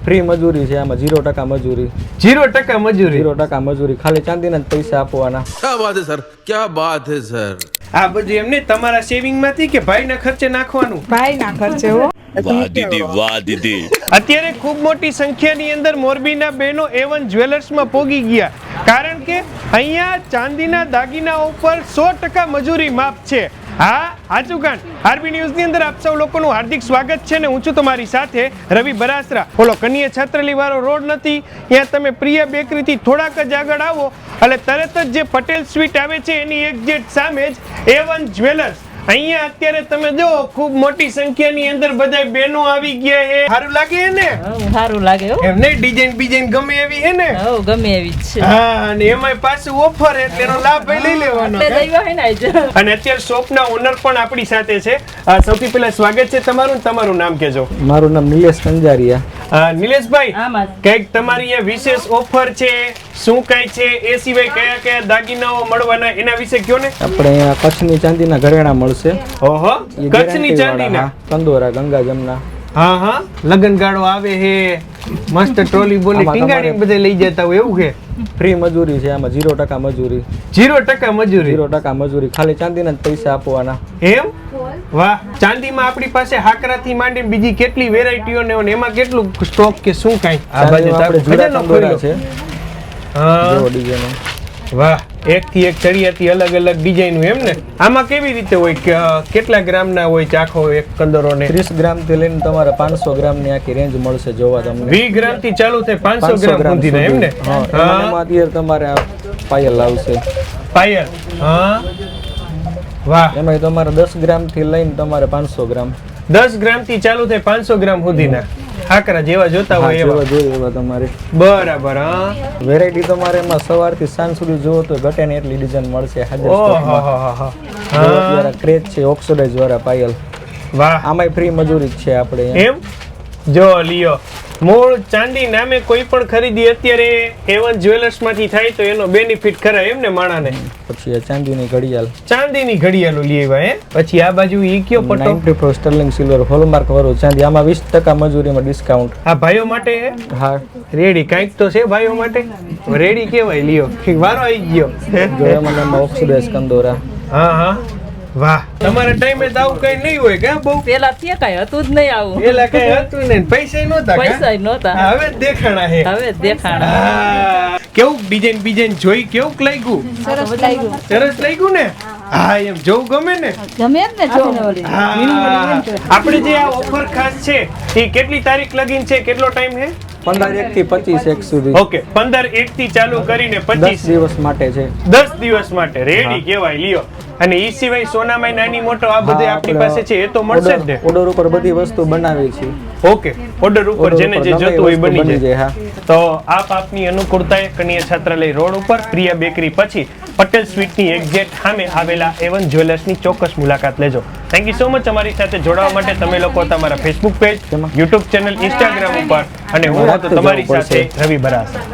Free મજૂરી છે આમાં 0% મજૂરી 0% મજૂરી 0% મજૂરી ખાલી ચાંદીના જ પૈસા આપવાના क्या बात है सर क्या बात है सर આ બધું એમને તમારા સેવિંગ માંથી કે ભાઈના ખર્ચે નાખવાનું ભાઈ ના ખર્ચે હો वाह दीदी અત્યારે ખૂબ મોટી સંખ્યાની અંદર મોરબીના બહેનો A1 જ્વેલર્સમાં પોગી ગયા કારણ કે અહીંયા ચાંદીના દાગીના ઉપર 100% મજૂરી માફ છે. હા આજુકાન આરબી ન્યૂઝ ની અંદર આપ સૌ લોકોનું હાર્દિક સ્વાગત છે ને હું છું તમારી સાથે રવિ બરાસરા. ઓલો કન્યા છાત્રાલય વાળો રોડ નથી ત્યાં તમે પ્રિયા બેકરી થી થોડાક જ આગળ આવો એટલે તરત જ જે પટેલ સ્વીટ આવે છે એની એક્ઝેક્ટ સામે જ A1 જ્વેલર્સ. અહીંયા અત્યારે તમે જો ખૂબ મોટી સંખ્યાની અંદર બધા બહેનો આવી ગયા છે. સારું લાગે છે ને? સારું લાગે હો એમને ડિઝાઇન ગમે એવી છે ને? હો ગમે એવી જ છે હા અને એમાંય પાછું ઓફર એટલે એનો લાભ લઈ લેવાનો. એટલે દઈવા હે ને આજ અને અત્યારે શોપના ઓનર પણ આપણી સાથે છે. સૌથી પહેલા સ્વાગત છે તમારું નામ કહેજો. મારું નામ નિલેશ કંજારિયા. નિલેશભાઈ આમાં કઈક તમારી અહીંયા વિશેષ ઓફર છે શું કઈ છે એ સિવાય કયા કયા દાગીનાઓ મળવાના એના વિશે કયો ને. આપણે અહીંયા કચ્છની ચાંદીના ઘરેણા મળશે. ઓહો ઈ કચ્છની guarantee ચાંદીના વાળા, કંદોરા ગંગા જમના. હા લગન ગાળો આવે હે મસ્ત ટ્રોલી બોલી આમાં ટીંગાડીને બધે લઈ જતા હોય એવું છે. ફ્રી મજૂરી છે આમાં 0% મજૂરી 0% મજૂરી 0% મજૂરી ખાલી ચાંદીના જ પૈસા આપવાના. એમ વાહ ચાંદીમાં આપણી પાસે હાકરાથી માંડીને બીજી કેટલી વેરાયટીઓ ને એમાં કેટલું સ્ટોક કે શું કાઈ આ બાજુ ચાંદીમાં આપણે જુદા ખજાનો કંદોરા ખોલ્યો. છે હા જેવો ડિઝાઇન. વાહ એક થી એક ચડિયાતી અલગ અલગ ડિઝાઇન એમ ને. આમાં કેવી રીતે હોય કે કેટલા ગ્રામના હોય ચાખો એક કંદોરો ને? 30 ગ્રામ થી લઈને તમારે 500 ગ્રામ ની આખી રેન્જ મળશે જોવા તમને. 20 ગ્રામ થી ચાલુ થાય 500 ગ્રામ સુધીના એમ ને. હા એમાં અત્યારે તમારે આ પાયલ આવશે. પાયલ હા વાહ એમાં તમારે 10 ગ્રામ થી લઈને તમારે 500 ગ્રામ 10 ગ્રામ થી ચાલુ થાય 500 ગ્રામ સુધીના હાકરા જેવા જોતા હોય જેવા એવા. જોઈએ એવા તમારે બરાબર હા વેરાયટી તમારે એમાં સવારથી સાંજ સુધી જોવો તો ઘટે ને એટલી ડિઝાઇન મળશે હાજર સ્ટોકમાં. જો અત્યારે ક્રેઝ છે ઓક્સિડાઇઝ વાળા પાયલ. વાહ આમાંય ફ્રી મજૂરી જ છે આપણે અહીંયા. એમ જો લિયો મૂળ ચાંદી નામે કોઈ પણ ખરીદી અત્યારે A1 જ્વેલર્સ માંથી થાય તો એનો બેનિફિટ ખરા એમ ને માણાને. પછી આ ચાંદીની ઘડિયાળ ચાંદીની ઘડિયાળો લેવા હે પછી આ બાજુ ઈ કયો પટો 94 સ્ટર્લિંગ સિલ્વર હોલમાર્ક વાળું ચાંદી આમાં 20% મજૂરીમાં ડિસ્કાઉન્ટ. આ ભાઈઓ માટે હે હા રેડી કાંઈક તો છે ભાઈઓ માટે રેડી કેવાય લિયો વારો આવી ગયો. જો એમાં ઓક્સિડાઇઝ કંદોરા. હા વાહ તમારા ટાઈમે તો આવું કઈ નહીં હોય કે બહુ પેલા તે કઈ હતું જ નહીં આવું પેલા કઈ હતું ને પૈસા નહોતા કાં? પૈસા નહોતા હવે દેખાણા હે હવે દેખાણા હા. કેવું ડિઝાઇન જોઈ કેવું લાગ્યું? સરસ લાગ્યું સરસ લાગ્યું ને? હા એમ જોવું ગમે ને? ગમે જ ને જો હા. આપણે જે આ ઓફર ખાસ છે એ કેટલી તારીખ લગીન છે કેટલો ટાઈમ છે? 15 1 થી 25 1 સુધી ઓકે 15 1 થી ચાલુ કરીને 10 25 દિવસ માટે છે. 10 દિવસ માટે રેડી કહેવાય લ્યો. અને ઈ સિવાય સોનામાં નાની મોટો આ બધે આપણી પાસે છે એ તો મળશે જ ને? ઓર્ડર ઉપર બધી વસ્તુ બનાવી છે. ઓકે ઓર્ડર ઉપર જેને જે ગમે એ જોતું હોય વસ્તુ બની જાય. હા. તો આપ આપની અનુકૂળતાએ કન્યા છાત્રાલય રોડ ઉપર પ્રિયા બેકરી પછી પટેલ સ્વીટની એક્ઝેક્ટ સામે આવેલા A1 જ્વેલર્સની ચોક્કસ મુલાકાત લેજો. થેન્ક યુ સો મચ અમારી સાથે જોડાવા માટે. તમે લોકો તમારા Facebook page, YouTube channel, Instagram ઉપર અને હું હતો તમારી સાથે રવિ બરાસરા.